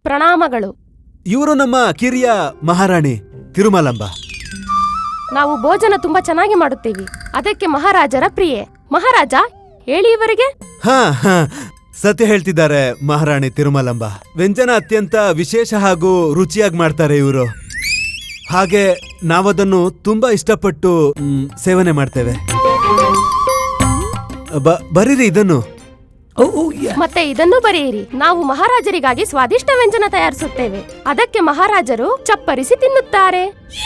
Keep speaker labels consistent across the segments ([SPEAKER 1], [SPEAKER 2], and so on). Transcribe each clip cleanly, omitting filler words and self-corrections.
[SPEAKER 1] ಪ್ರಣಾಮಗಳು.
[SPEAKER 2] ಇವರು ನಮ್ಮ ಕಿರಿಯ ಮಹಾರಾಣಿ ತಿರುಮಲಂಬ.
[SPEAKER 1] ನಾವು ಭೋಜನ ತುಂಬಾ ಚೆನ್ನಾಗಿ ಮಾಡುತ್ತೀವಿ, ಅದಕ್ಕೆ ಮಹಾರಾಜರ ಪ್ರಿಯೆ. ಮಹಾರಾಜ, ಹೇಳಿ ಇವರಿಗೆ.
[SPEAKER 2] ಹಾ ಸತ್ಯ ಹೇಳ್ತಿದ್ದಾರೆ ಮಹಾರಾಣಿ ತಿರುಮಲಂಬ. ವ್ಯಂಜನ ಅತ್ಯಂತ ವಿಶೇಷ ಹಾಗೂ ರುಚಿಯಾಗಿ ಮಾಡ್ತಾರೆ ಇವರು. ಹಾಗೆ ನಾವದನ್ನು ತುಂಬಾ ಇಷ್ಟಪಟ್ಟು ಸೇವನೆ ಮಾಡ್ತೇವೆ. ಬರೀರಿ ಇದನ್ನು.
[SPEAKER 1] ಮತ್ತೆ ಇದನ್ನು ಬರೆಯಿರಿ. ನಾವು ಮಹಾರಾಜರಿಗಾಗಿ ಸ್ವಾದಿಷ್ಟ ವ್ಯಂಜನ ತಯಾರಿಸುತ್ತೇವೆ, ಅದಕ್ಕೆ ಮಹಾರಾಜರು ಚಪ್ಪರಿಸಿ ತಿನ್ನುತ್ತಾರೆ.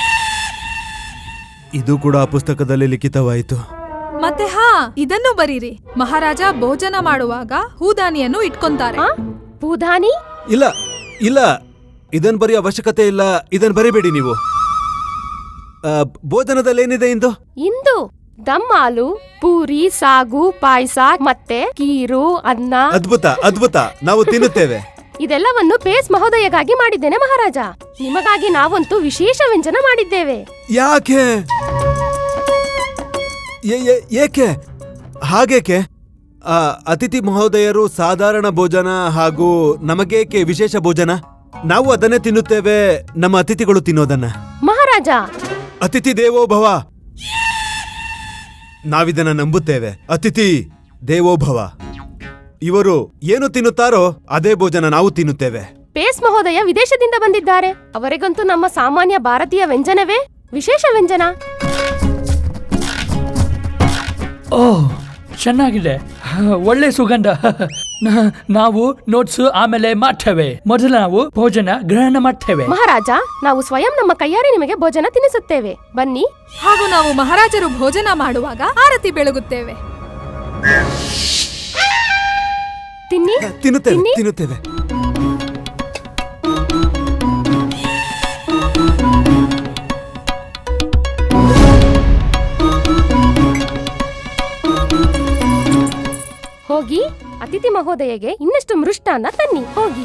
[SPEAKER 2] ಇದು ಕೂಡ ಪುಸ್ತಕದಲ್ಲಿ ಲಿಖಿತವಾಯಿತು.
[SPEAKER 3] ಮತ್ತೆ ಇದನ್ನು ಬರೀರಿ. ಮಹಾರಾಜ ಭೋಜನ ಮಾಡುವಾಗ ಹೂದಾನಿಯನ್ನು ಇಟ್ಕೊಂತಾರೆ.
[SPEAKER 1] ಹೂದಾನಿ?
[SPEAKER 2] ಇಲ್ಲ ಇಲ್ಲ, ಇದನ್ ಬರೆಯೋ ಅವಶ್ಯಕತೆ ಇಲ್ಲ. ಇದನ್ ಬರಿಬೇಡಿ ನೀವು. ಭೋಜನದಲ್ಲಿ ಏನಿದೆ ಇಂದು
[SPEAKER 1] ದಮ್ ಹಾಲು, ಪೂರಿ, ಸಾಗು, ಪಾಯಸ ಮತ್ತೆ ಕೀರು, ಅನ್ನ.
[SPEAKER 2] ಅದ್ಭುತ ಅದ್ಭುತ, ನಾವು ತಿನ್ನುತ್ತೇವೆ.
[SPEAKER 1] ಇದೆಲ್ಲವನ್ನು ಪೇಸ್ ಮಹೋದಯಗಾಗಿ ಮಾಡಿದ್ದೇನೆ ಮಹಾರಾಜ. ನಿಮಗಾಗಿ ನಾವಂತೂ ವಿಶೇಷ ವ್ಯಂಜನ ಮಾಡಿದ್ದೇವೆ.
[SPEAKER 2] ಯಾಕೆ ಏಕೆ ಹಾಗೇಕೆ? ಅತಿಥಿ ಮಹೋದಯರು ಸಾಧಾರಣ ಭೋಜನ ಹಾಗೂ ನಮಗೇಕೆ ವಿಶೇಷ ಭೋಜನ? ನಾವು ಅದನ್ನೇ ತಿನ್ನುತ್ತೇವೆ, ನಮ್ಮ ಅತಿಥಿಗಳು ತಿನ್ನೋದನ್ನ.
[SPEAKER 1] ಮಹಾರಾಜ,
[SPEAKER 2] ಅತಿಥಿ ದೇವೋ ಭವ, ನಾವಿದನ್ನ ನಂಬುತ್ತೇವೆ. ಅತಿಥಿ ದೇವೋ ಭವ. ಇವರು ಏನು ತಿನ್ನುತ್ತಾರೋ ಅದೇ ಭೋಜನ ನಾವು ತಿನ್ನುತ್ತೇವೆ.
[SPEAKER 1] ಪೇಸ್ ಮಹೋದಯ ವಿದೇಶದಿಂದ ಬಂದಿದ್ದಾರೆ. ಅವರಿಗಂತೂ ನಮ್ಮ ಸಾಮಾನ್ಯ ಭಾರತೀಯ ವ್ಯಂಜನವೇ ವಿಶೇಷ ವ್ಯಂಜನ.
[SPEAKER 4] ಓಹ್, ಚೆನ್ನಾಗಿದೆ, ಒಳ್ಳೆ ಸುಗಂಧ. ನಾವು ನೋಟ್ಸ್ ಆಮೇಲೆ ಮಾಡ್ತೇವೆ. ಮೊದಲು ನಾವು ಭೋಜನ ಗ್ರಹಣ ಮಾಡ್ತೇವೆ.
[SPEAKER 1] ಮಹಾರಾಜ, ನಾವು ಸ್ವಯಂ ನಮ್ಮ ಕೈಯಾರೆ ನಿಮಗೆ ಭೋಜನ ತಿನ್ನಿಸುತ್ತೇವೆ, ಬನ್ನಿ.
[SPEAKER 3] ಹಾಗೂ ನಾವು ಮಹಾರಾಜರು ಭೋಜನ ಮಾಡುವಾಗ ಆರತಿ ಬೆಳಗುತ್ತೇವೆ.
[SPEAKER 2] ತಿನ್ನುತ್ತೇವೆ.
[SPEAKER 1] ಹೋಗಿ ಅತಿಥಿ ಮಹೋದಯಗೆ ಇನ್ನಷ್ಟು ಮೃಷ್ಟಾನ್ನ ತನ್ನಿ, ಹೋಗಿ.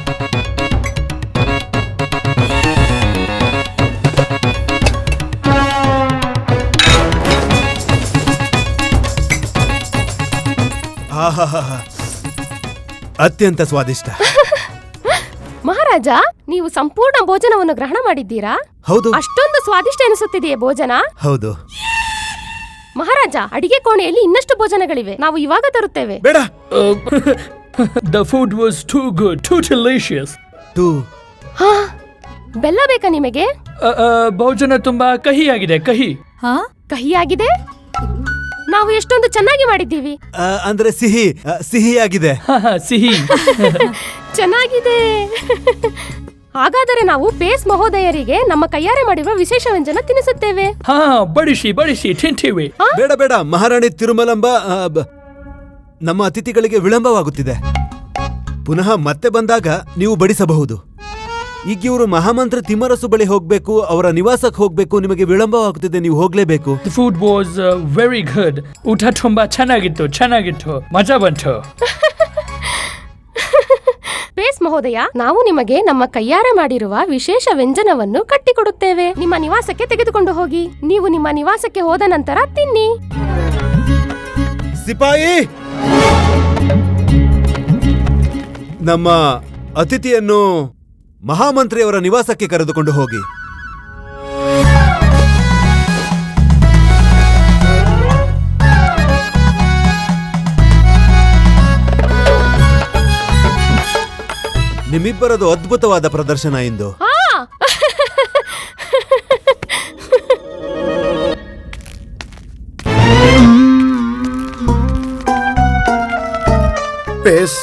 [SPEAKER 2] ಅತ್ಯಂತ ಸ್ವಾದಿಷ್ಟ.
[SPEAKER 1] ಮಹಾರಾಜ, ನೀವು ಸಂಪೂರ್ಣ ಭೋಜನವನ್ನು ಗ್ರಹಣ ಮಾಡಿದ್ದೀರಾ?
[SPEAKER 2] ಹೌದು.
[SPEAKER 1] ಅಷ್ಟೊಂದು ಸ್ವಾದಿಷ್ಟ ಎನಿಸುತ್ತಿದೆಯೇ ಭೋಜನ?
[SPEAKER 2] ಹೌದು.
[SPEAKER 1] ಮಹಾರಾಜ, ಅಡಿಗೆ ಕೋಣೆಯಲ್ಲಿ ಇನ್ನಷ್ಟು ಭೋಜನಗಳಿವೆ, ನಾವು ಇವಾಗ ತರುತ್ತೇವೆ.
[SPEAKER 2] ಬೇಡ.
[SPEAKER 4] The food was too good, too delicious.
[SPEAKER 1] ಬೆಲ್ಲ ಬೇಕಾ ನಿಮಗೆ?
[SPEAKER 4] ಭೋಜನ ತುಂಬಾ ಕಹಿಯಾಗಿದೆ.
[SPEAKER 1] ಕಹಿಯಾಗಿದೆ? ನಾವು ಎಷ್ಟೊಂದು ಚೆನ್ನಾಗಿ ಮಾಡಿದ್ದೀವಿ.
[SPEAKER 2] ಅಂದ್ರೆ ಸಿಹಿಯಾಗಿದೆ.
[SPEAKER 4] ಸಿಹಿ.
[SPEAKER 1] ಚೆನ್ನಾಗಿದೆ. ಹಾಗಾದರೆ ನಾವು ಪೇಸ್ ಮಹೋದಯರಿಗೆ ನಮ್ಮ ಕೈಯಾರೆ ಮಾಡಿರುವ ವಿಶೇಷ ವ್ಯಂಜನ ತಿನ್ನಿಸುತ್ತೇವೆ.
[SPEAKER 4] ಬಡಿಸಿ ತಿಂತೀವಿ.
[SPEAKER 2] ಬೇಡ ಮಹಾರಾಣಿ ತಿರುಮಲಂಬ, ನಮ್ಮ ಅತಿಥಿಗಳಿಗೆ ವಿಳಂಬವಾಗುತ್ತಿದೆ. ಪುನಃ ಮತ್ತೆ ಬಂದಾಗ ನೀವು ಬಡಿಸಬಹುದು. ಈಗ ಇವರು ಮಹಾಮಂತ್ರಿ ತಿಮ್ಮರಸು ಬಳಿ ಹೋಗ್ಬೇಕು, ಅವರ ನಿವಾಸಕ್ಕೆ ಹೋಗ್ಬೇಕು. ನಿಮಗೆ ವಿಳಂಬವಾಗುತ್ತಿದೆ, ನೀವು ಹೋಗ್ಲೇಬೇಕು.
[SPEAKER 4] The food was very good. ಊಟ ತುಂಬಾ ಚೆನ್ನಾಗಿತ್ತು, ಮಜಾ ಬಂತು.
[SPEAKER 1] ಪೇಸ್ ಮಹೋದಯ, ನಾವು ನಿಮಗೆ ನಮ್ಮ ಕೈಯಾರೆ ಮಾಡಿರುವ ವಿಶೇಷ ವ್ಯಂಜನವನ್ನು ಕಟ್ಟಿಕೊಡುತ್ತೇವೆ. ನಿಮ್ಮ ನಿವಾಸಕ್ಕೆ ತೆಗೆದುಕೊಂಡು ಹೋಗಿ. ನೀವು ನಿಮ್ಮ ನಿವಾಸಕ್ಕೆ ಹೋದ ನಂತರ ತಿನ್ನಿ.
[SPEAKER 2] ಸಿಪಾಯಿ, ನಮ್ಮ ಅತಿಥಿಯನ್ನು ಮಹಾಮಂತ್ರಿಯವರ ನಿವಾಸಕ್ಕೆ ಕರೆದುಕೊಂಡು ಹೋಗಿ. ನಿಮ್ಮಿಬ್ಬರದು ಅದ್ಭುತವಾದ ಪ್ರದರ್ಶನ ಇಂದು.
[SPEAKER 5] ಪೇಸ್,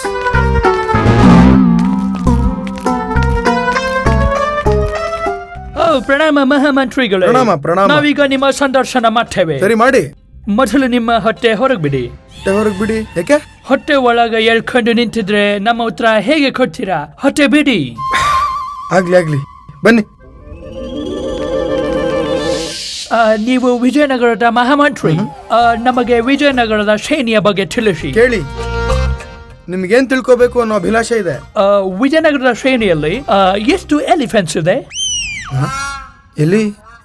[SPEAKER 4] ಪ್ರಣಾಮ ಮಹಾಮಂತ್ರಿಗಳೇ.
[SPEAKER 5] ಪ್ರಣಾಮ.
[SPEAKER 4] ನಾವೀಗ ನಿಮ್ಮ ಸಂದರ್ಶನ ಮಾಡ್ತೇವೆ.
[SPEAKER 5] ಸರಿ ಮಾಡಿ.
[SPEAKER 4] ಮೊದಲು ನಿಮ್ಮ ಹೊಟ್ಟೆ ಹೊರಗೆ ಬಿಡಿ.
[SPEAKER 5] ಯಾಕೆ?
[SPEAKER 4] ಹೊಟ್ಟೆ ಒಳಗ ಎಳ್ಕೊಂಡು ನಿಂತಿದ್ರೆ ನಮ್ಮ ಉತ್ತರ ಹೇಗೆ ಕೊಡ್ತೀರಾ? ಹೊಟ್ಟೆ ಬಿಡಿ.
[SPEAKER 5] ಆಗ್ಲಿ ಬನ್ನಿ.
[SPEAKER 4] ನೀವು ವಿಜಯನಗರದ ಮಹಾಮಂತ್ರಿ. ನಮಗೆ ವಿಜಯನಗರದ ಶ್ರೇಣಿಯ ಬಗ್ಗೆ ತಿಳಿಸಿ.
[SPEAKER 5] ಕೇಳಿ, ನಿಮ್ಗೇನ್ ತಿಳ್ಕೋಬೇಕು ಅನ್ನೋ ಅಭಿಲಾಷೆ ಇದೆ.
[SPEAKER 4] ವಿಜಯನಗರದ ಶ್ರೇಣಿಯಲ್ಲಿ ಎಷ್ಟು ಎಲಿಫೆಂಟ್ಸ್ ಇದೆ?
[SPEAKER 5] ಎಲ್ಲಿ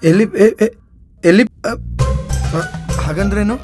[SPEAKER 5] ಹಾಗಂದ್ರೇನು?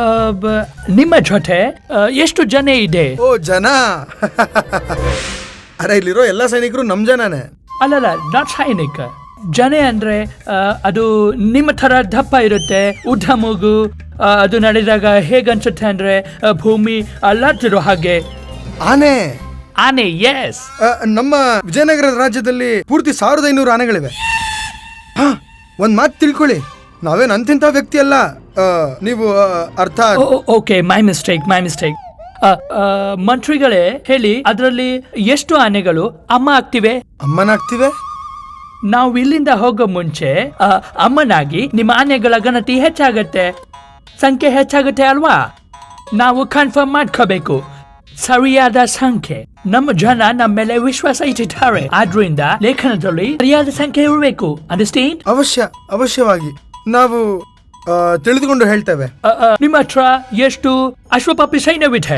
[SPEAKER 4] ನಿಮ್ಮ ಜೊತೆ ಎಷ್ಟು ಜನ ಇದೆ?
[SPEAKER 5] ಓ, ಜನ ಅರೆ ಇಲ್ಲಿರೋ ಎಲ್ಲ ಸೈನಿಕರು ನಮ್ ಜನನೇ.
[SPEAKER 4] ಅಲ್ಲಲ್ಲ, ನಾಟ್ ಸೈನಿಕ. ಜನೆ ಅಂದ್ರೆ ಅದು ನಿಮ್ಮ ತರ ದಪ್ಪ ಇರುತ್ತೆ, ಉದ್ದ ಮೂಗು. ಅದು ನಡೆದಾಗ ಹೇಗನ್ಸುತ್ತೆ ಅಂದ್ರೆ ಭೂಮಿ ಅಲ್ಲಾಡ್ತಿರೋ ಹಾಗೆ.
[SPEAKER 5] ಆನೆ.
[SPEAKER 4] ಆನೆ, ಎಸ್.
[SPEAKER 5] ನಮ್ಮ ವಿಜಯನಗರ ರಾಜ್ಯದಲ್ಲಿ ಪೂರ್ತಿ 1500 ಆನೆಗಳಿವೆ. ಹಾ, ಒಂದ್ ಮಾತು ತಿಳ್ಕೊಳ್ಳಿ, ನಾವೇನ್ ಅಂತಿಂತ ವ್ಯಕ್ತಿ ಅಲ್ಲ. ನೀವು ಅರ್ಥ
[SPEAKER 4] ಓಕೆ, ಮೈ ಮಿಸ್ಟೇಕ್. ಮಂತ್ರಿಗಳೇ ಹೇಳಿ, ಅದರಲ್ಲಿ ಎಷ್ಟು ಆನೆಗಳು ಅಮ್ಮ ಆಗ್ತಿವೆ?
[SPEAKER 5] ಅಮ್ಮನಾಗ್ತಿವೆ.
[SPEAKER 4] ನಾವು ಇಲ್ಲಿಂದ ಹೋಗೋ ಮುಂಚೆ ಅಮ್ಮನಾಗಿ ನಿಮ್ಮ ಆನೆಗಳ ಗಣತಿ ಹೆಚ್ಚಾಗತ್ತೆ, ಸಂಖ್ಯೆ ಹೆಚ್ಚಾಗುತ್ತೆ ಅಲ್ವಾ? ನಾವು ಕನ್ಫರ್ಮ್ ಮಾಡ್ಕೋಬೇಕು ಸರಿಯಾದ ಸಂಖ್ಯೆ. ನಮ್ಮ ಜನ ನಮ್ಮ ಮೇಲೆ ವಿಶ್ವಾಸ ಇಟ್ಟಿದ್ದಾರೆ, ಆದ್ರಿಂದ ಲೇಖನದಲ್ಲಿ ಸರಿಯಾದ ಸಂಖ್ಯೆ ಇರಬೇಕು. ಅಂಡರ್ಸ್ಟ್ಯಾಂಡ್?
[SPEAKER 5] ಅವಶ್ಯವಾಗಿ ನಾವು ತಿಳಿದುಕೊಂಡು ಹೇಳ್ತೇವೆ.
[SPEAKER 4] ನಿಮ್ಮ ಹತ್ರ ಎಷ್ಟು ಅಶ್ವಪಾಪಿ ಸೈನ್ಯವಿದೆ?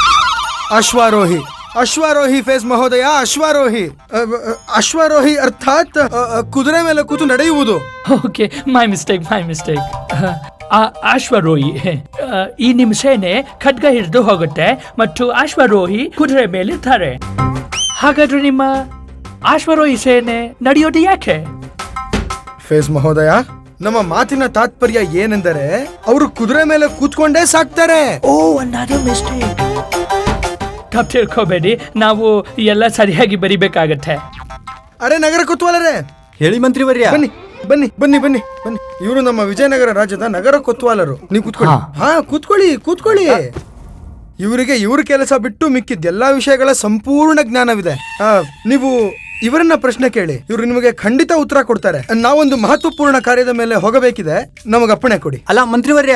[SPEAKER 5] ಅಶ್ವಾರೋಹಿ ಫೇಸ್ ಮಹೋದಯ. ಅಶ್ವಾರೋಹಿ ಅರ್ಥಾತ್ ಕುದುರೆ ಮೇಲೆ ಕೂತು ನಡೆಯುವುದು.
[SPEAKER 4] Okay, my mistake. ಅಶ್ವಾರೋಹಿ, ಈ ನಿಮ್ಮ ಸೇನೆ ಖಡ್ಗ ಹಿಡಿದು ಹೋಗುತ್ತೆ ಮತ್ತು ಅಶ್ವಾರೋಹಿ ಕುದುರೆ ಮೇಲೆ ಇರ್ತಾರೆ. ಹಾಗಾದ್ರೆ ನಿಮ್ಮ ಅಶ್ವಾರೋಹಿ ಸೇನೆ ನಡೆಯೋದು ಯಾಕೆ?
[SPEAKER 5] ಫೇಸ್ ಮಹೋದಯ, ನಮ್ಮ ಮಾತಿನ ತಾತ್ಪರ್ಯ ಏನೆಂದರೆ ಅವರು ಕುದುರೆ ಮೇಲೆ ಕೂತ್ಕೊಂಡೇ ಸಾಕ್ತಾರೆ.
[SPEAKER 4] ಓ, another mistake. ತಪ್ಪು ತಿಳ್ಕೋಬೇಡಿ, ನಾವು ಎಲ್ಲ ಸರಿಯಾಗಿ ಬರಿಬೇಕಾಗತ್ತೆ.
[SPEAKER 5] ಅರೆ ನಗರ ಕೊತ್ವಾಲರೇ,
[SPEAKER 2] ಹೇಳಿ ಮಂತ್ರಿವರ್ಯ.
[SPEAKER 5] ಬನ್ನಿ. ಇವರು ನಮ್ಮ ವಿಜಯನಗರ ರಾಜ್ಯದ ನಗರ ಕೊತ್ವಾಲರು. ನೀವು ಕೂತ್ಕೊಳ್ಳಿ. ಹಾ, ಕೂತ್ಕೊಳ್ಳಿ. ಇವರಿಗೆ ಇವ್ರ ಕೆಲಸ ಬಿಟ್ಟು ಮಿಕ್ಕಿದ ಎಲ್ಲಾ ವಿಷಯಗಳ ಸಂಪೂರ್ಣ ಜ್ಞಾನವಿದೆ. ನೀವು ಇವರನ್ನ ಪ್ರಶ್ನೆ ಕೇಳಿ, ಇವರು ನಿಮಗೆ ಖಂಡಿತ ಉತ್ತರ ಕೊಡ್ತಾರೆ. ನಾವೊಂದು ಮಹತ್ವಪೂರ್ಣ ಕಾರ್ಯದ ಮೇಲೆ ಹೋಗಬೇಕಿದೆ, ನಮಗೆ ಅಪ್ಪಣೆ ಕೊಡಿ.
[SPEAKER 6] ಅಲ್ಲ ಮಂತ್ರಿವರ್ಯ,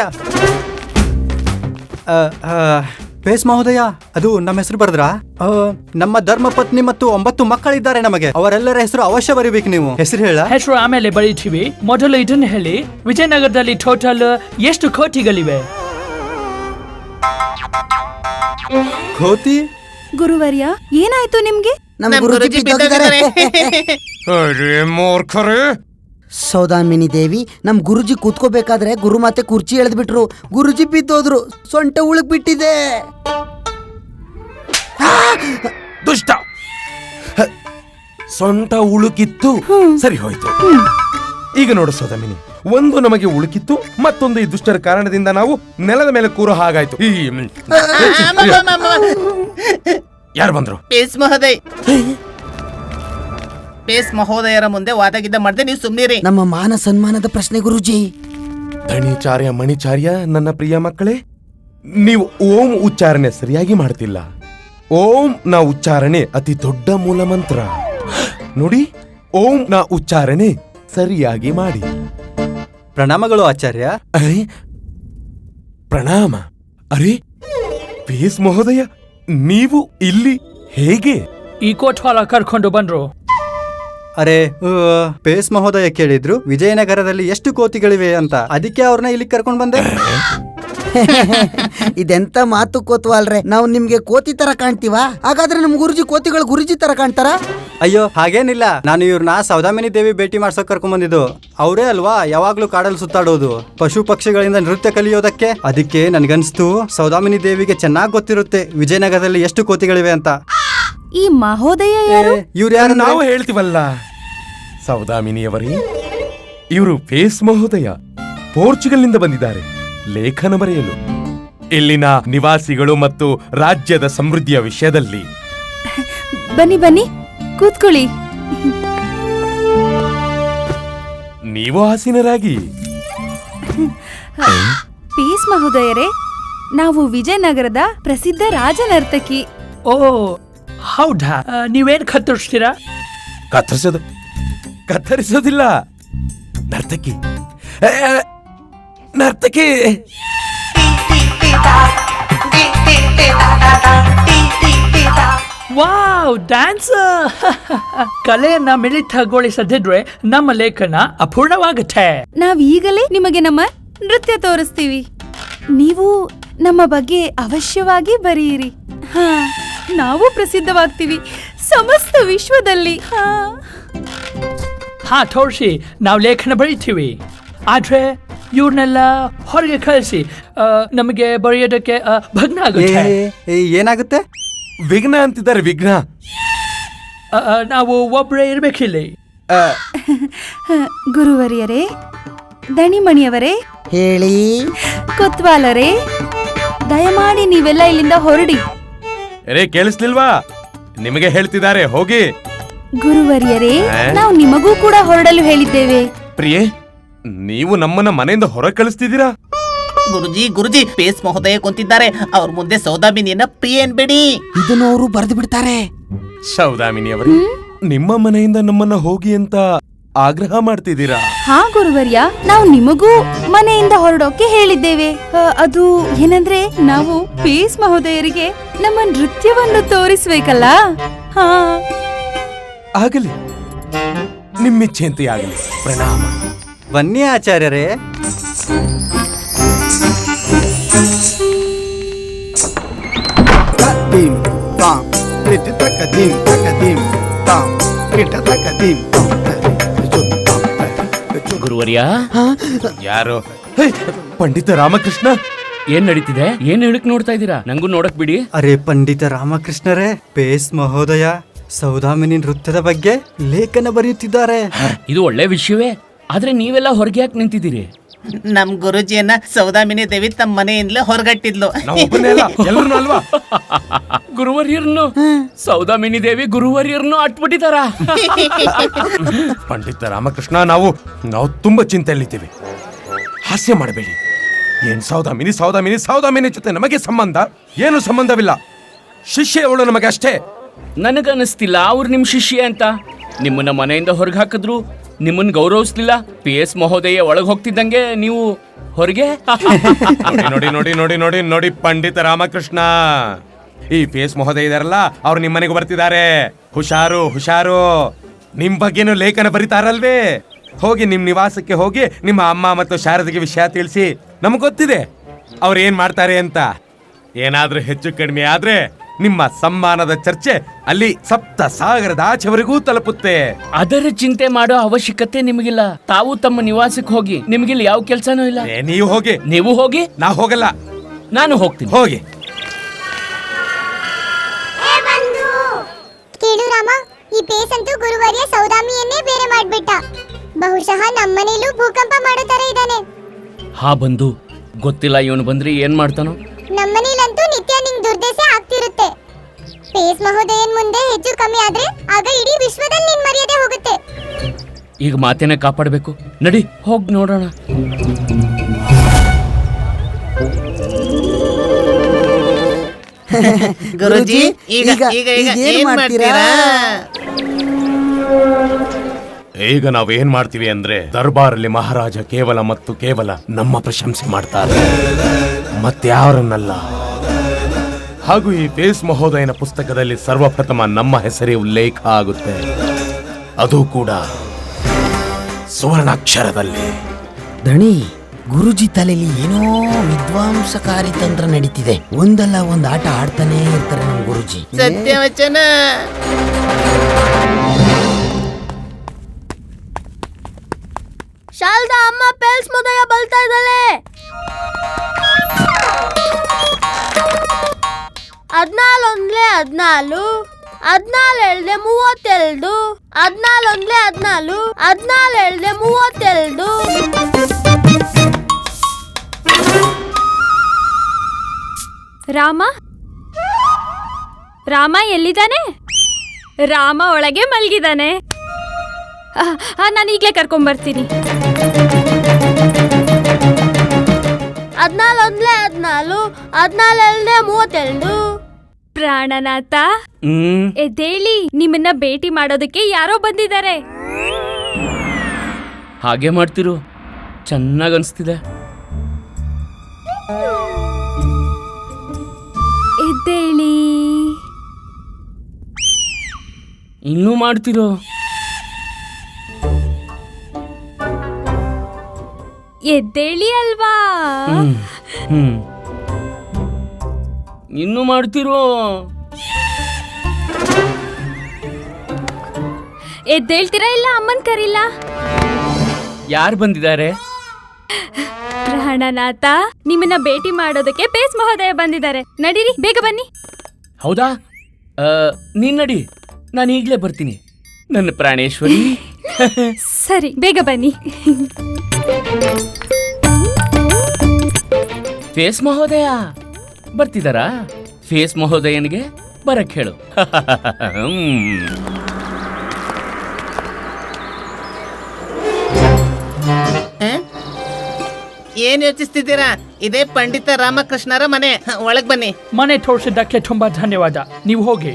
[SPEAKER 6] ಪೇಸ್ ಮಹೋದಯ, ಅದು ನಮ್ಮ ಹೆಸರು ಬರೆದ್ರಾ? ನಮ್ಮ ಧರ್ಮ ಪತ್ನಿ ಮತ್ತು 9 ಮಕ್ಕಳಿದ್ದಾರೆ ನಮಗೆ. ಅವರೆಲ್ಲರ ಹೆಸರು ಅವಶ್ಯ ಬರೀಬೇಕು. ನೀವು ಹೆಸರು ಹೇಳ.
[SPEAKER 4] ಹೆಸರು ಆಮೇಲೆ ಬರೀತೀವಿ, ಮೊದಲು ಇದನ್ನ ಹೇಳಿ. ವಿಜಯನಗರದಲ್ಲಿ ಟೋಟಲ್ ಎಷ್ಟು ಕೋತಿಗಳಿವೆ?
[SPEAKER 6] ಕೋತಿ?
[SPEAKER 7] ಗುರುವರ್ಯ, ಏನಾಯ್ತು ನಿಮ್ಗೆ?
[SPEAKER 8] ನಮ್ಮ ಗುರುಜಿ ಬಿದ್ದೋಗಿದ್ದಾರೆ. ಅರೆ ಮೂರ್ಖರೇ! ಸೌದಾಮಿನಿ ದೇವಿ, ನಮ್ ಗುರುಜಿ ಕೂತ್ಕೋಬೇಕಾದ್ರೆ ಗುರುಮಾತೆ ಕುರ್ಚಿ ಎಳೆದ್ಬಿಟ್ರು. ಗುರುಜಿ ಬಿದ್ದೋದ್ರು, ಸೊಂಟ ಉಳುಕ್ ಬಿಟ್ಟಿದೆ.
[SPEAKER 9] ದುಷ್ಟ! ಸೊಂಟ ಉಳುಕಿತ್ತು, ಸರಿ ಹೋಯ್ತು. ಈಗ ನೋಡು ಸೌದಾಮಿನಿ, ಒಂದು ನಮಗೆ ಉಳುಕಿತ್ತು, ಮತ್ತೊಂದು ಈ ದುಷ್ಟರ ಕಾರಣದಿಂದ ನಾವು ನೆಲದ ಮೇಲೆ ಕೂರೋ ಹಾಗಾಯ್ತು. ಯಾರು ಬಂದ್ರು?
[SPEAKER 10] ಪೇಸ್ ಮಹೋದಯರ ಮುಂದೆ ವಾದಗಿದ್ದ ಮಾಡದೆ ನೀವು ಸುಮ್ಮನಿರಿ.
[SPEAKER 8] ನಮ್ಮ ಮಾನ ಸನ್ಮಾನದ ಪ್ರಶ್ನೆ ಗುರುಜಿ.
[SPEAKER 9] ಧಣಿಚಾರ್ಯ ಮಣಿಚಾರ್ಯ, ನನ್ನ ಪ್ರಿಯ ಮಕ್ಕಳೇ, ನೀವು ಓಂ ಉಚ್ಚಾರಣೆ ಸರಿಯಾಗಿ ಮಾಡ್ತಿಲ್ಲ. ಓಂ ನ ಉಚ್ಚಾರಣೆ ಅತಿ ದೊಡ್ಡ ಮೂಲ ಮಂತ್ರ. ನೋಡಿ, ಓಂ ನ ಉಚ್ಚಾರಣೆ ಸರಿಯಾಗಿ ಮಾಡಿ.
[SPEAKER 6] ಪ್ರಣಾಮಗಳು ಆಚಾರ್ಯ.
[SPEAKER 9] ಅರೆ ಪ್ರಣಾಮ. ಅರೆ ಪೇಸ್ ಮಹೋದಯ, ನೀವು ಇಲ್ಲಿ ಹೇಗೆ?
[SPEAKER 4] ಈ ಕೋಟ್ವಾಲ ಕರ್ಕೊಂಡು ಬಂದ್ರು.
[SPEAKER 6] ಅರೆ ಪೇಸ್ ಮಹೋದಯ ಕೇಳಿದ್ರು ವಿಜಯನಗರದಲ್ಲಿ ಎಷ್ಟು ಕೋತಿಗಳಿವೆ ಅಂತ, ಅದಕ್ಕೆ ಅವ್ರನ್ನ ಇಲ್ಲಿ ಕರ್ಕೊಂಡ್ ಬಂದೆ.
[SPEAKER 8] ಇದೆಂತ ಮಾತು ಕೋತ್ವಾಲ್ರೆ, ನಾವು ನಿಮ್ಗೆ ಕೋತಿ ತರ ಕಾಣ್ತೀವಾ? ಹಾಗಾದ್ರೆ ನಮ್ ಕೋತಿಗಳು ಗುರುಜಿ ತರ ಕಾಣ್ತಾರ?
[SPEAKER 6] ಅಯ್ಯೋ ಹಾಗೇನಿಲ್ಲ, ನಾನು ಇವ್ರನ್ನ ಸೌದಾಮಿನಿ ದೇವಿ ಭೇಟಿ ಮಾಡ್ಸೋಕ್ ಕರ್ಕೊಂಡ್ ಬಂದಿದ್ದು. ಅವರೇ ಅಲ್ವಾ ಯಾವಾಗ್ಲೂ ಕಾಡಲ್ಲಿ ಸುತ್ತಾಡೋದು, ಪಶು ಪಕ್ಷಿಗಳಿಂದ ನೃತ್ಯ ಕಲಿಯೋದಕ್ಕೆ. ಅದಕ್ಕೆ ನನ್ಗನ್ಸ್ತು ಸೌದಾಮಿನಿ ದೇವಿಗೆ ಚೆನ್ನಾಗ್ ಗೊತ್ತಿರುತ್ತೆ ವಿಜಯನಗರದಲ್ಲಿ ಎಷ್ಟು ಕೋತಿಗಳಿವೆ ಅಂತ.
[SPEAKER 7] ಈ ಮಹೋದಯ ಯಾರು?
[SPEAKER 6] ಇವ್ರು ಯಾರು?
[SPEAKER 9] ನಾವು ಹೇಳ್ತೀವಲ್ಲ ಸೌದಾಮಿನಿಯವರೇ, ಇವರು ಪೇಸ್ ಮಹೋದಯ, ಪೋರ್ಚುಗಲ್ನಿಂದ ಬಂದಿದ್ದಾರೆ ಲೇಖನ ಬರೆಯಲು. ಇಲ್ಲಿನ ನಿವಾಸಿಗಳು ಮತ್ತು ರಾಜ್ಯದ ಸಮೃದ್ಧಿಯ ವಿಷಯದಲ್ಲಿ.
[SPEAKER 7] ಬನ್ನಿ ಕೂತ್ಕೊಳ್ಳಿ.
[SPEAKER 9] ನೀವು ಆಸೀನರಾಗಿ.
[SPEAKER 7] ಪೇಸ್ ಮಹೋದಯರೇ, ನಾವು ವಿಜಯನಗರದ ಪ್ರಸಿದ್ಧ ರಾಜನರ್ತಕಿ.
[SPEAKER 4] ಓ ಹೌದಾ? ನೀವೇನ್ ಕತ್ತರಿಸ್ತೀರಾ?
[SPEAKER 9] ಕತ್ತರಿಸೋದಿಲ್ಲ, ನರ್ತಕಿ. ನರ್ತಕಿ
[SPEAKER 4] ವಾವ್, ಡ್ಯಾನ್ಸರ್! ಕಲೆಯನ್ನ ಮಿಳಿತಗೊಳಿಸದಿದ್ರೆ ನಮ್ಮ ಲೇಖನ ಅಪೂರ್ಣವಾಗುತ್ತೆ.
[SPEAKER 7] ನಾವ್ ಈಗಲೇ ನಿಮಗೆ ನಮ್ಮ ನೃತ್ಯ ತೋರಿಸ್ತೀವಿ. ನೀವು ನಮ್ಮ ಬಗ್ಗೆ ಅವಶ್ಯವಾಗಿ ಬರೆಯಿರಿ. ಹಾ, ನಾವು ಪ್ರಸಿದ್ಧವಾಗ್ತೀವಿ ಸಮಸ್ತ ವಿಶ್ವದಲ್ಲಿ.
[SPEAKER 4] ಹಾ ತೋರಿಸಿ, ನಾವು ಲೇಖನ ಬರೀತೀವಿ. ಆದ್ರೆ ಇವ್ರನ್ನೆಲ್ಲ ಹೊರಗೆ ಕಳಿಸಿ, ನಮಗೆ ಬರೆಯೋದಕ್ಕೆ ಭಗ್ನ ಆಗುತ್ತೆ.
[SPEAKER 6] ಏನಾಗುತ್ತೆ?
[SPEAKER 9] ವಿಘ್ನ ಅಂತಿದ್ದಾರೆ, ವಿಘ್ನ.
[SPEAKER 4] ನಾವು ಒಬ್ಬರೇ ಇರ್ಬೇಕಿಲ್ಲಿ.
[SPEAKER 7] ಗುರುವರಿಯರೇ, ದಣಿಮಣಿಯವರೇ,
[SPEAKER 8] ಹೇಳಿ.
[SPEAKER 7] ಕೊತ್ವಾಲರೇ, ದಯಮಾಡಿ ನೀವೆಲ್ಲ ಇಲ್ಲಿಂದ ಹೊರಡಿ.
[SPEAKER 9] ಕೇಳಿಸ್ಲಿಲ್ವಾ? ನಿಮಗೆ ಹೇಳ್ತಿದ್ದಾರೆ, ಹೋಗಿ.
[SPEAKER 7] ಗುರುವರಿಯರೇ, ನಾವು ನಿಮಗೂ ಕೂಡ ಹೊರಡಲು ಹೇಳಿದ್ದೇವೆ.
[SPEAKER 9] ಪ್ರಿಯೆ, ನೀವು ನಮ್ಮನ್ನ ಮನೆಯಿಂದ ಹೊರ ಕಳಿಸ್ತಿದ್ದೀರಾ?
[SPEAKER 10] ಗುರುಜಿ ಪೇಸ್ ಮಹೋದಯ ಕುಂತಿದ್ದಾರೆ. ಅವ್ರ ಮುಂದೆ ಸೌದಾಮಿನಿಯನ್ನ ಪ್ರಿಯ ಅನ್ಬೇಡಿ.
[SPEAKER 8] ಇದನ್ನು ಅವರು ಬರೆದು ಬಿಡ್ತಾರೆ.
[SPEAKER 9] ಸೌದಾಮಿನಿಯವರೇ, ನಿಮ್ಮ ಮನೆಯಿಂದ ನಮ್ಮನ್ನ ಹೋಗಿ ಅಂತ ಆಗ್ರಹ ಮಾಡ್ತಿದ್ದೀರಾ?
[SPEAKER 7] ಹಾ ಗುರುವರ್ಯ, ನಾವು ನಿಮಗೂ ಮನೆಯಿಂದ ಹೊರಡೋಕೆ ಹೇಳಿದ್ದೇವೆ. ಅದು ಏನಂದ್ರೆ, ನಾವು ಪೇಸ್ ಮಹೋದಯರಿಗೆ ನಮ್ಮ ನೃತ್ಯವನ್ನು ತೋರಿಸ್ಬೇಕಲ್ಲ. ಹಾ,
[SPEAKER 9] ಆಗಲಿ, ನಿಮ್ಮಿಚ್ಛೆಯಂತೆ ಆಗಲಿ. ಪ್ರಣಾಮ.
[SPEAKER 6] ಬನ್ನಿ ಆಚಾರ್ಯರೇ.
[SPEAKER 11] ಗುರುವರ್ಯ,
[SPEAKER 9] ಯಾರು? ಪಂಡಿತ ರಾಮಕೃಷ್ಣ.
[SPEAKER 11] ಏನ್ ನಡೀತಿದೆ? ಏನ್ ಹೇಳಕ್ ನೋಡ್ತಾ ಇದ್ದೀರಾ? ನಂಗೂ ನೋಡಕ್ ಬಿಡಿ.
[SPEAKER 6] ಅರೆ ಪಂಡಿತ ರಾಮಕೃಷ್ಣರೇ, ಪೇಸ್ ಮಹೋದಯ ಸೌದಾಮಿನಿ ನೃತ್ಯದ ಬಗ್ಗೆ ಲೇಖನ ಬರೆಯುತ್ತಿದ್ದಾರೆ.
[SPEAKER 11] ಇದು ಒಳ್ಳೆ ವಿಷಯವೇ, ಆದ್ರೆ ನೀವೆಲ್ಲ ಹೊರಗೆ ಯಾಕೆ ನಿಂತಿದ್ದೀರಿ?
[SPEAKER 10] ನಮ್ ಗುರುಜಿಯನ್ನ ಸೌದಾಮಿನಿ ದೇವಿ ತಮ್ಮ ಮನೆಯಿಂದಲೇ ಹೊರಗಟ್ಟಿದ್ಲು.
[SPEAKER 9] ಅಲ್ವಾ?
[SPEAKER 11] ಗುರುವರ್ಯರ್ನು ಸೌದಾಮಿನಿ ದೇವಿ ಗುರುವರ್ಯರ್ನು ಅಟ್ಬಿಟ್ಟಿದಾರ.
[SPEAKER 9] ಪಂಡಿತ ರಾಮಕೃಷ್ಣ, ನಾವು ತುಂಬಾ ಚಿಂತೆಯಲ್ಲಿದ್ದೀವಿ. ಹಾಸ್ಯ ಮಾಡಬೇಡಿ. ಏನ್ ಸೌದಾಮಿನಿ ಜೊತೆ ನಮಗೆ ಸಂಬಂಧ? ಏನು ಸಂಬಂಧವಿಲ್ಲ. ಶಿಷ್ಯ ಅವಳು ನಮಗೆ ಅಷ್ಟೇ.
[SPEAKER 11] ನನಗನ್ನಿಸ್ತಿಲ್ಲ ಅವ್ರು ನಿಮ್ ಶಿಷ್ಯ ಅಂತ. ನಿಮ್ಮನ್ನ ಮನೆಯಿಂದ ಹೊರಗೆ ಹಾಕಿದ್ರು, ನಿಮ್ಮನ್ನ ಗೌರವಿಸ್ಲಿಲ್ಲ. PS ಮಹೋದಯ ಒಳಗೆ ಹೋಗ್ತಿದ್ದಂಗೆ ನೀವು ಹೊರಗೆ.
[SPEAKER 9] ನೋಡಿ ಪಂಡಿತ ರಾಮಕೃಷ್ಣ, ಈ PS ಮಹೋದಯ ಇದಾರಲ್ಲ, ಅವ್ರು ನಿಮ್ಮ ಮನೆಗೆ ಬರ್ತಿದ್ದಾರೆ. ಹುಷಾರು. ನಿಮ್ ಬಗ್ಗೆನೂ ಲೇಖನ ಬರೀತಾರಲ್ವೇ? ಹೋಗಿ ನಿಮ್ ನಿವಾಸಕ್ಕೆ ಹೋಗಿ ನಿಮ್ಮ ಅಮ್ಮ ಮತ್ತು ಶಾರದಿಗೆ ವಿಷಯ ತಿಳಿಸಿ. ನಮ್ಗೆ ಗೊತ್ತಿದೆ ಅವ್ರು ಏನ್ ಮಾಡ್ತಾರೆ ಅಂತ. ಏನಾದ್ರೂ ಹೆಚ್ಚು ಕಡಿಮೆ ಆದ್ರೆ ನಿಮ್ಮ ಸಮ್ಮಾನದ ಚರ್ಚೆ ಅಲ್ಲಿ ಸಪ್ತ ಸಾಗರದ ಆಚೆವರೆಗೂ ತಲುಪುತ್ತೆ.
[SPEAKER 11] ಅದರ ಚಿಂತೆ ಮಾಡೋ ಅವಶ್ಯಕತೆ ನಿಮಗಿಲ್ಲ. ತಾವು ತಮ್ಮ ನಿವಾಸಕ್ಕೆ ಹೋಗಿ. ನಿಮಗಿಲ್ಲಿ ಯಾವ ಕೆಲ್ಸನೂ ಇಲ್ಲ.
[SPEAKER 9] ನೀವು ಹೋಗಿ. ನಾ ಹೋಗಲ್ಲ.
[SPEAKER 11] ನಾನು ಹೋಗ್ತೀನಿ.
[SPEAKER 9] ಹೋಗಿ.
[SPEAKER 12] ಕೇಳು ರಾಮ, ಈ ಪೇಸ್ ಅಂತೂ ಗುರುವರ್ಯ ಸೌದಾಮಿಯನ್ನೇ ಬೇರೆ ಮಾಡ್ಬಿಟ್ಟ. ಬಹುಶಃ ನಮ್ಮನೇಲೂ ಭೂಕಂಪ ಮಾಡೋ ತರ ಇದ್ದಾನೆ.
[SPEAKER 11] ಹಾ ಬಂದು ಗೊತ್ತಿಲ್ಲ, ಇವನು ಬಂದ್ರೆ ಏನ್ ಮಾಡ್ತಾನೋ.
[SPEAKER 12] ನಮ್ಮನೇಲಂತೂ ನಿತ್ಯ ನಿಂಗ್ ದುರ್ದಶೆ ಆಗ್ತಿರುತ್ತೆ. ಪೇಸ್ ಮಹೋದಯನ್ ಮುಂದೆ ಹೆಚ್ಚು ಕಮ್ಮಿ ಆದ್ರೆ ಆಗ ಇಡೀ ವಿಶ್ವದಲ್ಲಿ ನಿನ್ ಮರ್ಯಾದೆ ಹೋಗುತ್ತೆ.
[SPEAKER 11] ಈಗ ಮಾತೇನೆ ಕಾಪಾಡಬೇಕು. ನಡಿ ಹೋಗ್ ನೋಡೋಣ.
[SPEAKER 10] ಗುರುಜಿ, ಈಗ ಏನ್ ಮಾಡ್ತೀರಾ?
[SPEAKER 9] ಈಗ ನಾವೇನ್ ಮಾಡ್ತೀವಿ ಅಂದ್ರೆ, ದರ್ಬಾರಲ್ಲಿ ಮಹಾರಾಜ ಕೇವಲ ನಮ್ಮ ಪ್ರಶಂಸೆ ಮಾಡ್ತಾರೆ, ಮತ್ಯಾರನ್ನಲ್ಲ. ಹಾಗೂ ಈ ಪೇಸ್ ಮಹೋದಯನ ಪುಸ್ತಕದಲ್ಲಿ ಸರ್ವಪ್ರಥಮ ನಮ್ಮ ಹೆಸರೇ ಉಲ್ಲೇಖ ಆಗುತ್ತೆ. ಅದು ಕೂಡ ಸುವರ್ಣಾಕ್ಷರದಲ್ಲಿ.
[SPEAKER 8] ದಣಿ, ಗುರುಜಿ ತಲೆಯಲ್ಲಿ ಏನೋ ವಿದ್ವಾಂಸಕಾರಿ ತಂತ್ರ ನಡೀತಿದೆ. ಒಂದಲ್ಲ ಒಂದು ಆಟ ಆಡ್ತಾನೆ ಇರ್ತಾರೆ ನಮ್ಮ ಗುರುಜಿ.
[SPEAKER 10] ಸತ್ಯವಚನ.
[SPEAKER 1] ಶಾಲ್ದಾ ಅಮ್ಮ, ಪೇಸ್ ಮಹೋದಯ ಬಲ್ತಾ ಇದ್ದಾಳೆ. 14 1 14, 14 32, 14 14, 14 32.
[SPEAKER 7] ರಾಮ ಎಲ್ಲಿದ್ದಾನೆ? ರಾಮ ಒಳಗೆ ಮಲಗಿದ್ದಾನೆ. ನಾನು ಈಗಲೇ ಕರ್ಕೊಂಡ್ಬರ್ತೀನಿ.
[SPEAKER 1] 14 1 14, 14 32.
[SPEAKER 7] ಪ್ರಾಣನಾಥ, ಎದ್ದೇಳಿ, ನಿಮ್ಮನ್ನ ಭೇಟಿ ಮಾಡೋದಕ್ಕೆ ಯಾರೋ ಬಂದಿದ್ದಾರೆ.
[SPEAKER 11] ಹಾಗೆ ಮಾಡ್ತಿರು, ಚೆನ್ನಾಗ್ ಅನ್ಸ್ತಿದೆ.
[SPEAKER 7] ಎದ್ದೇಳಿ.
[SPEAKER 11] ಇನ್ನೂ ಮಾಡ್ತಿರೋ?
[SPEAKER 7] ಎದ್ದೇಳಿ ಅಲ್ವಾ?
[SPEAKER 11] ಇನ್ನೂ ಮಾಡ್ತಿರೋ?
[SPEAKER 7] ಎದ್ದೇಳ್ತೀರಾ ಇಲ್ಲ ಅಮ್ಮನ್ ಕರೀಲ?
[SPEAKER 11] ಯಾರು ಬಂದಿದ್ದಾರೆ?
[SPEAKER 7] ಪ್ರಾಣನಾಥ, ನಿಮ್ಮನ್ನ ಭೇಟಿ ಮಾಡೋದಕ್ಕೆ ಪೇಸ್ ಮಹೋದಯ ಬಂದಿದ್ದಾರೆ. ನಡೀರಿ, ಬೇಗ ಬನ್ನಿ.
[SPEAKER 11] ಹೌದಾ? ನೀನ್ ನಡಿ, ನಾನು ಈಗಲೇ ಬರ್ತೀನಿ ನನ್ನ ಪ್ರಾಣೇಶ್ವರಿ.
[SPEAKER 7] ಸರಿ, ಬೇಗ ಬನ್ನಿ.
[SPEAKER 11] ಫೇಸ್ ಮಹೋದಯ ಬರ್ತಿದಾರಾ? ಫೇಸ್ ಮಹೋದಯನಿಗೆ ಬರಕ್ ಹೇಳು.
[SPEAKER 10] ಏನ್ ಯೋಚಿಸ್ತಿದ್ದೀರಾ? ಇದೇ ಪಂಡಿತ ರಾಮಕೃಷ್ಣರ ಮನೆ, ಒಳಗ್ ಬನ್ನಿ.
[SPEAKER 4] ಮನೆ ತೋರಿಸಿದ್ದಕ್ಕೆ ತುಂಬಾ ಧನ್ಯವಾದ. ನೀವು ಹೋಗಿ.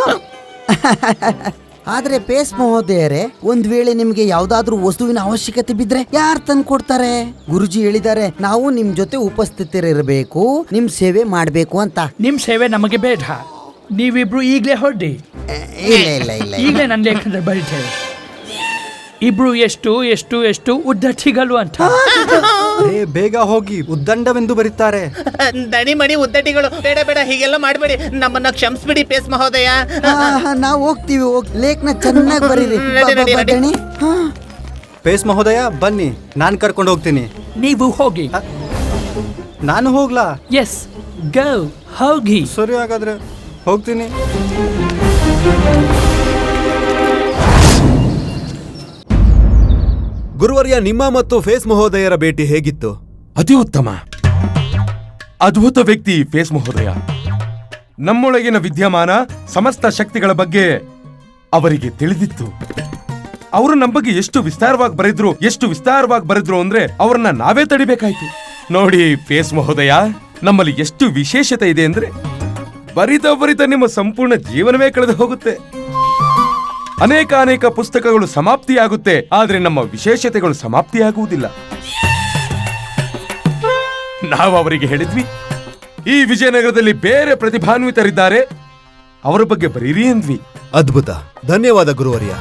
[SPEAKER 8] ಆದ್ರೆ ಪೇಸ್ ಮಹೋದಯರೇ, ಒಂದ್ ವೇಳೆ ನಿಮ್ಗೆ ಯಾವ್ದಾದ್ರೂ ವಸ್ತುವಿನ ಅವಶ್ಯಕತೆ ಬಿದ್ರೆ ಯಾರು ತಂದು ಕೊಡ್ತಾರೆ? ಗುರುಜಿ ಹೇಳಿದ್ದಾರೆ ನಾವು ನಿಮ್ ಜೊತೆ ಉಪಸ್ಥಿತರಿರಬೇಕು, ನಿಮ್ ಸೇವೆ ಮಾಡ್ಬೇಕು ಅಂತ.
[SPEAKER 4] ನಿಮ್ ಸೇವೆ ನಮಗೆ ಬೇಡ. ನೀವಿಬ್ರು ಈಗ್ಲೇ ಹೊರಡಿ.
[SPEAKER 8] ಇಲ್ಲ ಇಲ್ಲ ಇಲ್ಲ
[SPEAKER 4] ಈಗಲೇ ನನ್ನ ಲೇಖನದಲ್ಲಿ ಬರೀತೇವೆ. ಇಬ್ರು ಎಷ್ಟು ಎಷ್ಟು ಎಷ್ಟು ಉದ್ದಟಿಗಳು ಅಂತ.
[SPEAKER 6] ಬೇಗ ಹೋಗಿ, ಉದ್ದಂಡವೆಂದು ಬರೀತಾರೆ.
[SPEAKER 10] ದಣಿ ಮಣಿ ಉದ್ದಟಿಗಳು, ಬೇಡ ಬೇಡ, ಹೀಗೆಲ್ಲ ಮಾಡ್ಬೇಡಿ. ನಮ್ಮನ್ನ ಕ್ಷಮಿಸ್ಬಿಡಿ ಪೇಸ್ ಮಹೋದಯ.
[SPEAKER 8] ನಾವು ಹೋಗ್ತೀವಿ, ಲೇಖನ ಚೆನ್ನಾಗಿ ಬರೀರಿ. ದಣಿ.
[SPEAKER 6] ಪೇಸ್ ಮಹೋದಯ ಬನ್ನಿ, ನಾನು ಕರ್ಕೊಂಡು ಹೋಗ್ತೀನಿ.
[SPEAKER 4] ನೀವು ಹೋಗಿ.
[SPEAKER 6] ನಾನು ಹೋಗ್ಲಾ?
[SPEAKER 4] ಎಸ್, ಗೋ, ಹೋಗಿ.
[SPEAKER 6] ಸರಿ, ಹಾಗಾದ್ರೆ ಹೋಗ್ತೀನಿ.
[SPEAKER 2] ಗುರುವರ್ಯ, ನಿಮ್ಮ ಮತ್ತು ಫೇಸ್ ಮಹೋದಯರ ಭೇಟಿ ಹೇಗಿತ್ತು?
[SPEAKER 9] ಅತಿ ಉತ್ತಮ. ಅದ್ಭುತ ವ್ಯಕ್ತಿ ಫೇಸ್ ಮಹೋದಯ. ನಮ್ಮೊಳಗಿನ ವಿದ್ಯಮಾನ ಸಮಸ್ತ ಶಕ್ತಿಗಳ ಬಗ್ಗೆ ಅವರಿಗೆ ತಿಳಿದಿತ್ತು. ಅವರು ನಮ್ಮ ಬಗ್ಗೆ ಎಷ್ಟು ವಿಸ್ತಾರವಾಗಿ ಬರೆದ್ರು ಅಂದ್ರೆ ಅವ್ರನ್ನ ನಾವೇ ತಡಿಬೇಕಾಯ್ತು. ನೋಡಿ ಫೇಸ್ ಮಹೋದಯ, ನಮ್ಮಲ್ಲಿ ಎಷ್ಟು ವಿಶೇಷತೆ ಇದೆ ಅಂದ್ರೆ ಬರಿತ ನಿಮ್ಮ ಸಂಪೂರ್ಣ ಜೀವನವೇ ಕಳೆದು ಹೋಗುತ್ತೆ. ಅನೇಕ ಪುಸ್ತಕಗಳು ಸಮಾಪ್ತಿಯಾಗುತ್ತೆ, ಆದ್ರೆ ನಮ್ಮ ವಿಶೇಷತೆಗಳು ಸಮಾಪ್ತಿಯಾಗುವುದಿಲ್ಲ. ನಾವು ಅವರಿಗೆ ಹೇಳಿದ್ವಿ, ಈ ವಿಜಯನಗರದಲ್ಲಿ ಬೇರೆ ಪ್ರತಿಭಾನ್ವಿತರಿದ್ದಾರೆ, ಅವರ ಬಗ್ಗೆ ಬರೀರಿ ಅಂದ್ವಿ.
[SPEAKER 2] ಅದ್ಭುತ, ಧನ್ಯವಾದ ಗುರುವರ್ಯ.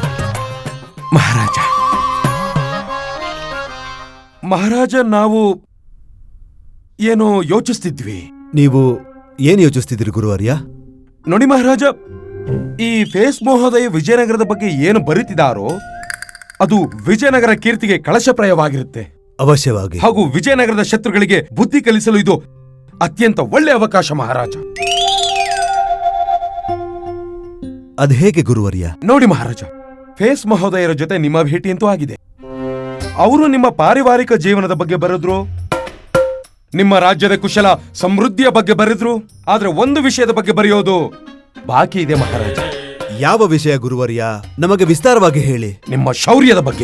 [SPEAKER 9] ಮಹಾರಾಜ, ನಾವು ಏನೋ ಯೋಚಿಸ್ತಿದ್ವಿ.
[SPEAKER 2] ನೀವು ಏನ್ ಯೋಚಿಸ್ತಿದ್ರಿ ಗುರುವರ್ಯ?
[SPEAKER 9] ನೋಡಿ ಮಹಾರಾಜ, ಈ ಫೇಸ್ ಮಹೋದಯ ವಿಜಯನಗರದ ಬಗ್ಗೆ ಏನು ಬರೀತಿದಾರೋ ಅದು ವಿಜಯನಗರ ಕೀರ್ತಿಗೆ ಕಳಶಪ್ರಾಯವಾಗಿರುತ್ತೆ.
[SPEAKER 2] ಅವಶ್ಯವಾಗಿ.
[SPEAKER 9] ಹಾಗೂ ವಿಜಯನಗರದ ಶತ್ರುಗಳಿಗೆ ಬುದ್ಧಿ ಕಲಿಸಲು ಇದು ಅತ್ಯಂತ ಒಳ್ಳೆ ಅವಕಾಶ ಮಹಾರಾಜ.
[SPEAKER 2] ಅದ್ ಹೇಗೆ ಗುರುವರ್ಯ?
[SPEAKER 9] ನೋಡಿ ಮಹಾರಾಜ, ಫೇಸ್ ಮಹೋದಯರ ಜೊತೆ ನಿಮ್ಮ ಭೇಟಿ ಅಂತೂ ಆಗಿದೆ. ಅವರು ನಿಮ್ಮ ಪಾರಿವಾರಿಕ ಜೀವನದ ಬಗ್ಗೆ ಬರೆದ್ರು, ನಿಮ್ಮ ರಾಜ್ಯದ ಕುಶಲ ಸಮೃದ್ಧಿಯ ಬಗ್ಗೆ ಬರೆದ್ರು. ಆದ್ರೆ ಒಂದು ವಿಷಯದ ಬಗ್ಗೆ ಬರೆಯೋದು ಬಾಕಿ ಇದೆ ಮಹಾರಾಜ.
[SPEAKER 2] ಯಾವ ವಿಷಯ ಗುರುವರ್ಯ? ನಮಗೆ ವಿಸ್ತಾರವಾಗಿ ಹೇಳಿ.
[SPEAKER 9] ನಿಮ್ಮ ಶೌರ್ಯದ ಬಗ್ಗೆ.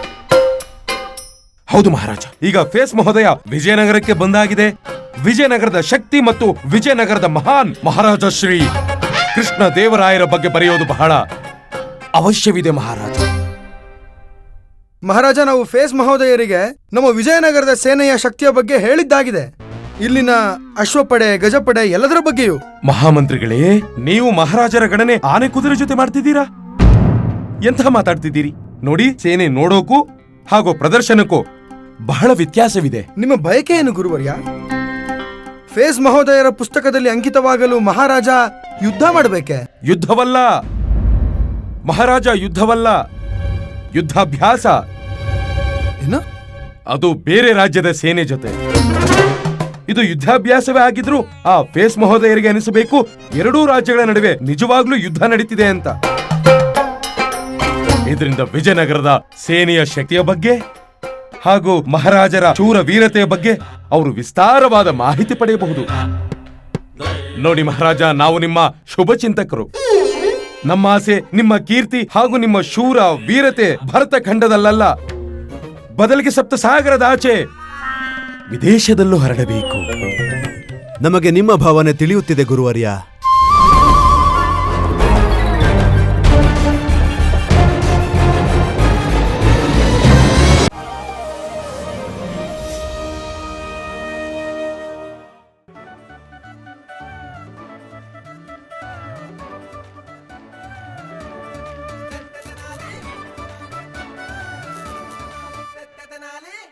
[SPEAKER 9] ಹೌದು ಮಹಾರಾಜ, ಈಗ ಫೇಸ್ ಮಹೋದಯ ವಿಜಯನಗರಕ್ಕೆ ಬಂದಾಗಿದೆ. ವಿಜಯನಗರದ ಶಕ್ತಿ ಮತ್ತು ವಿಜಯನಗರದ ಮಹಾನ್ ಮಹಾರಾಜ ಶ್ರೀ ಕೃಷ್ಣ ದೇವರಾಯರ ಬಗ್ಗೆ ಬರೆಯೋದು ಬಹಳ ಅವಶ್ಯವಿದೆ ಮಹಾರಾಜ.
[SPEAKER 5] ಮಹಾರಾಜ, ನಾವು ಫೇಸ್ ಮಹೋದಯರಿಗೆ ನಮ್ಮ ವಿಜಯನಗರದ ಸೇನೆಯ ಶಕ್ತಿಯ ಬಗ್ಗೆ ಹೇಳಿದ್ದಾಗಿದೆ. ಇಲ್ಲಿನ ಅಶ್ವಪಡೆ, ಗಜಪಡೆ ಎಲ್ಲದರ ಬಗ್ಗೆಯೂ.
[SPEAKER 9] ಮಹಾಮಂತ್ರಿಗಳೇ, ನೀವು ಮಹಾರಾಜರ ಗಣನೆ ಆನೆ ಕುದುರೆ ಜೊತೆ ಮಾಡ್ತಿದ್ದೀರಾ? ಎಂಥ ಮಾತಾಡ್ತಿದ್ದೀರಿ? ನೋಡಿ, ಸೇನೆ ನೋಡೋಕು ಹಾಗೂ ಪ್ರದರ್ಶನಕ್ಕೂ ಬಹಳ ವ್ಯತ್ಯಾಸವಿದೆ.
[SPEAKER 5] ನಿಮ್ಮ ಬಯಕೆ ಏನು ಗುರುವರ್ಯ? ಫೇಸ್ ಮಹೋದಯರ ಪುಸ್ತಕದಲ್ಲಿ ಅಂಕಿತವಾಗಲು ಮಹಾರಾಜ ಯುದ್ಧ ಮಾಡಬೇಕೆ?
[SPEAKER 9] ಯುದ್ಧವಲ್ಲ ಮಹಾರಾಜ, ಯುದ್ಧವಲ್ಲ, ಯುದ್ಧಾಭ್ಯಾಸ.
[SPEAKER 5] ಏನು?
[SPEAKER 9] ಅದು ಬೇರೆ ರಾಜ್ಯದ ಸೇನೆ ಜೊತೆ. ಇದು ಯುದ್ಧಾಭ್ಯಾಸವೇ ಆಗಿದ್ರು ಆ ಫೇಸ್ ಮಹೋದಯರಿಗೆ ಅನಿಸಬೇಕು ಎರಡೂ ರಾಜ್ಯಗಳ ನಡುವೆ ನಿಜವಾಗ್ಲೂ ಯುದ್ಧ ನಡೀತಿದೆ ಅಂತ. ಇದರಿಂದ ವಿಜಯನಗರದ ಸೇನೆಯ ಶಕ್ತಿಯ ಬಗ್ಗೆ ಹಾಗೂ ಮಹಾರಾಜರ ಶೂರ ವೀರತೆಯ ಬಗ್ಗೆ ಅವರು ವಿಸ್ತಾರವಾದ ಮಾಹಿತಿ ಪಡೆಯಬಹುದು. ನೋಡಿ ಮಹಾರಾಜ, ನಾವು ನಿಮ್ಮ ಶುಭ ಚಿಂತಕರು. ನಮ್ಮ ಆಸೆ ನಿಮ್ಮ ಕೀರ್ತಿ ಹಾಗೂ ನಿಮ್ಮ ಶೂರ ವೀರತೆ ಭರತ ಖಂಡದಲ್ಲ, ಬದಲಿಗೆ ಸಪ್ತ ಸಾಗರದ ಆಚೆ ವಿದೇಶದಲ್ಲೂ ಹರಡಬೇಕು.
[SPEAKER 2] ನಮಗೆ ನಿಮ್ಮ ಭಾವನೆ ತಿಳಿಯುತ್ತಿದೆ ಗುರುವರ್ಯ.